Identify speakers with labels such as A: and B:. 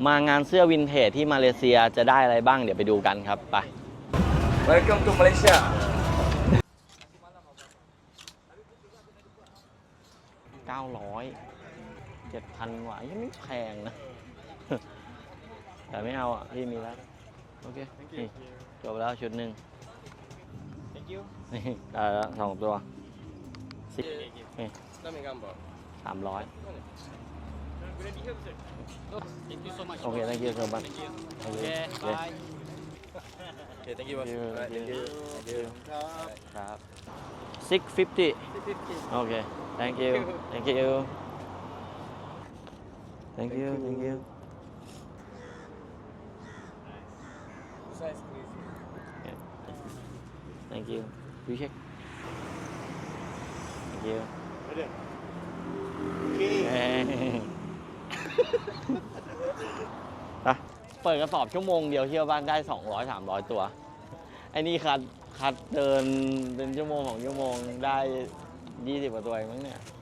A: มางานเสื้อวินเทจที่มาเลเซียจะได้อะไรบ้างเดี๋ยวไปดูกันครับไป
B: Welcome to Malaysia
A: 900 7,000 กว่ายังไม่แพงนะ แต่ไม่เอาอ่ะพี่มีแล้วโอเคนี่จบแล้วชุดหนึ่ง
B: Thank you
A: นี่ได้แล้ว2 ตัว10นี่
B: Kami gambar
A: 300
C: Thank you so much.
A: โอเค thank you so much
C: Thank you.
A: Thank you.
C: Okay,
A: Yes.
C: bye.
B: Okay, thank you boss.
A: Thank you.
B: Alright,
A: Thank
B: thank you.
A: you. Thank you. ครับ650โอเค thank you thank you thank you thank you
B: Size crazy.
A: thank you you check thank youไปเปิดกระสอบชั่วโมงเดียวเที่ยวบ้านได้200-300 ตัวไอ้นี่คัดเดินเป็นชั่วโมง2 ชั่วโมงได้20 กว่าตัวเองมั้งเนี่ย